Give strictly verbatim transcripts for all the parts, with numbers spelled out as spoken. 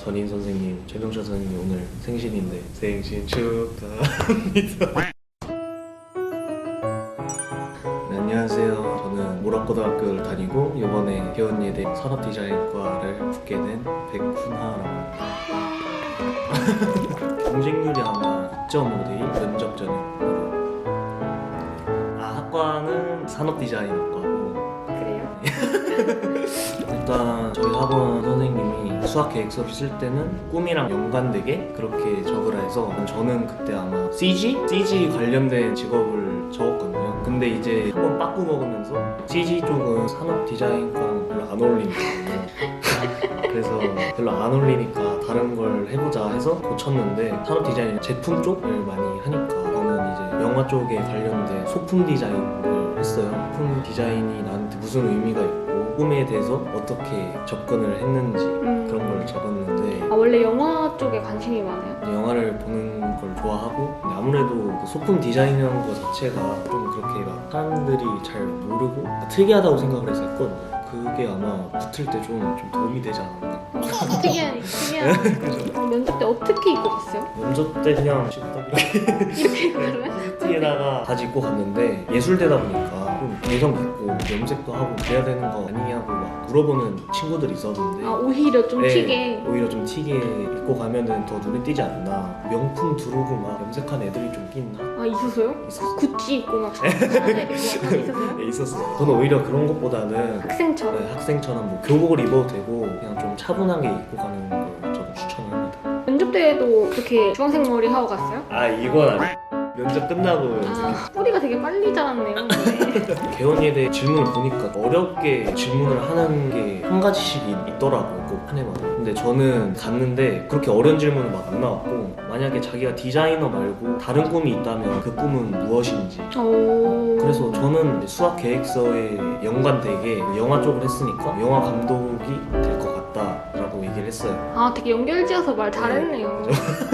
전인 선생님, 최병철 선생님 오늘 생신인데 생신 축하합니다. 네, 안녕하세요. 저는 모락고등학교를 다니고 이번에 개원예대 산업디자인과를 붙게 된 백훈하라고 합니다. 경쟁률이 아마 이 점 오 대 일 면접 전형으로. 아, 학과는 산업디자인학과고. 그래요? 일단 저희 학원 선생님이 수학 계획 수업 쓸 때는 꿈이랑 연관되게 그렇게 적으라 해서 저는 그때 아마 씨지? 씨지 관련된 직업을 적었거든요. 근데 이제 한번 빠꾸 먹으면서 씨지 쪽은 산업 디자인과는 별로 안 어울리니까 그래서 별로 안 어울리니까 다른 걸 해보자 해서 고쳤는데 산업 디자인 제품 쪽을 많이 하니까 저는 이제 영화 쪽에 관련된 소품 디자인을 했어요. 소품 디자인이 나한테 무슨 의미가 있고 꿈에 대해서 어떻게 접근을 했는지 음. 그런 걸 적었는데 아, 원래 영화 쪽에 관심이 많아요? 영화를 보는 걸 좋아하고 근데 아무래도 그 소품 디자인이라는 것 자체가 좀 그렇게 막 사람들이 잘 모르고 특이하다고 생각을 해서 했거든요. 그게 아마 붙을 때 좀 좀 도움이 되지 않았나. 특이한, 특이한. 그죠? 어, 면접 때 어떻게 입고 갔어요? 면접 때 그냥 딱 이렇게 이렇게 그러면? 티에다가 바지 입고 갔는데 예술대다 보니까 좀 개성 있고 염색도 하고 그래야 되는 거 아니냐고 막 물어보는 친구들이 있었는데 아, 오히려 좀 네, 튀게. 오히려 좀 튀게 입고 가면은 더 눈에 띄지 않나. 명품 두르고 막 염색한 애들이 좀 끼나? 아, 있었어요? 있었어. 구찌 입고 막 샤넬 입고 막 있었어요? 네, 있었어. 저는 오히려 그런 것보다는 학생처럼? 네, 학생처럼 뭐 교복을 입어도 되고 그냥 좀 차분하게 입고 가는 걸 저는 추천을 합니다. 면접 때에도 그렇게 주황색 머리 하고 갔어요? 아 이건 아니. 면접 끝나고 염색했어. 아, 뿌리가 되게 빨리 자랐네요. 네. 개원예대 질문을 보니까 어렵게 질문을 하는 게 한 가지씩 있- 있더라고요, 꼭 한 해마다. 근데 저는 갔는데 그렇게 어려운 질문은 막 안 나왔고 만약에 자기가 디자이너 말고 다른 꿈이 있다면 그 꿈은 무엇인지. 오. 그래서 저는 이제 수학 계획서에 연관되게 영화 쪽을 했으니까 영화 감독이 될 것 같다라고 얘기를 했어요. 아, 되게 연결지어서 말 잘했네요.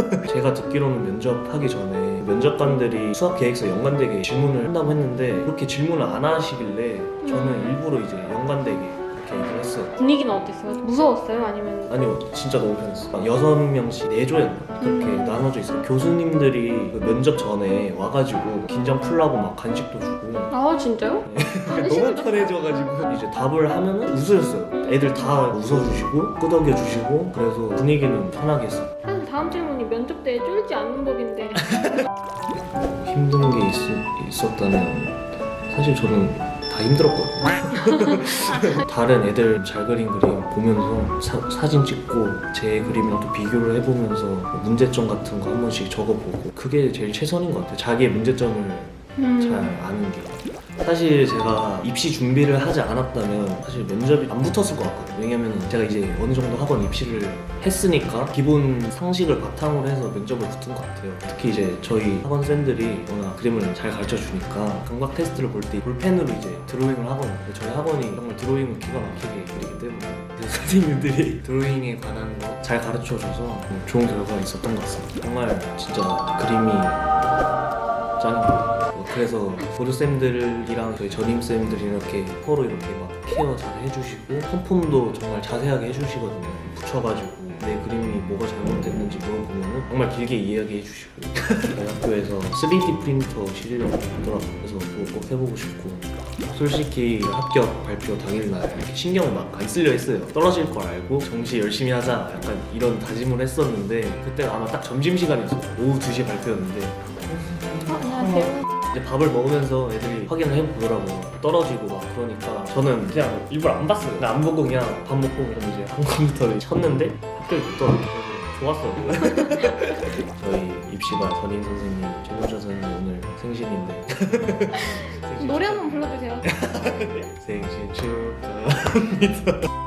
제가 듣기로는 면접하기 전에 면접관들이 수학 계획서 연관되게 질문을 한다고 했는데 그렇게 질문을 안 하시길래 저는 일부러 이제 연관되게 그렇게 얘기를 했어요. 분위기는 어땠어요? 무서웠어요? 아니면? 아니요, 진짜 너무 편했어. 여섯 명씩 네 조였나 그렇게 음. 나눠져 있어요. 교수님들이 그 면접 전에 와가지고 긴장 풀라고 막 간식도 주고 아, 진짜요? 너무 편해져가지고 이제 답을 하면은 웃으셨어요. 애들 다 웃어주시고 끄덕여주시고 그래서 분위기는 편하게 했어요. 사실 다음 질문이 면접 때 쫄지 않는 법인데. 힘든 게 있, 있었다면 사실 저는 다 힘들었거든요. 다른 애들 잘 그린 그림 보면서 사, 사진 찍고 제 그림이랑 또 비교를 해보면서 문제점 같은 거 한 번씩 적어보고 그게 제일 최선인 것 같아요. 자기의 문제점을 음. 잘 아는 게. 사실 제가 입시 준비를 하지 않았다면 사실 면접이 안 붙었을 것 같거든요. 왜냐면 제가 이제 어느 정도 학원 입시를 했으니까 기본 상식을 바탕으로 해서 면접을 붙은 것 같아요. 특히 이제 저희 학원생들이 워낙 그림을 잘 가르쳐 주니까 감각 테스트를 볼 때 볼펜으로 이제 드로잉을 하거든요. 저희 학원이 정말 드로잉을 기가 막히게 그리기 때문에 그래서 선생님들이 드로잉에 관한 거 잘 가르쳐 줘서 좋은 결과가 있었던 것 같습니다. 정말 진짜 그림이 짱이고 뭐 그래서 보조쌤들이랑 저희 전임쌤들이 이렇게 서로 이렇게 막 케어 잘 해주시고 펌품도 정말 자세하게 해주시거든요. 붙여가지고 내 그림이 뭐가 잘못됐는지 물어보면 정말 길게 이야기해 주시고 저희 학교에서 쓰리디 프린터 실력 있더라고요. 그래서 그거 꼭 해보고 싶고 솔직히 합격 발표 당일날 이렇게 신경 막 안 쓰려 했어요. 떨어질 걸 알고 정시 열심히 하자 약간 이런 다짐을 했었는데 그때 아마 딱 점심시간이었어요. 오후 두 시에 발표였는데 어, 안녕하세요. 이제 밥을 먹으면서 애들이 확인을 해보더라고. 떨어지고 막 그러니까 저는 그냥 일부러 안 봤어요. 그냥 안 보고 그냥 밥 먹고 그럼 이제 한 컴퓨터를 쳤는데 합격이 됐더라고요. 그래서 좋았어. 저희 입시반 전인 선생님, 최병철 선생님 오늘 생신인데 노래 한번 불러주세요. 생신 축하합니다.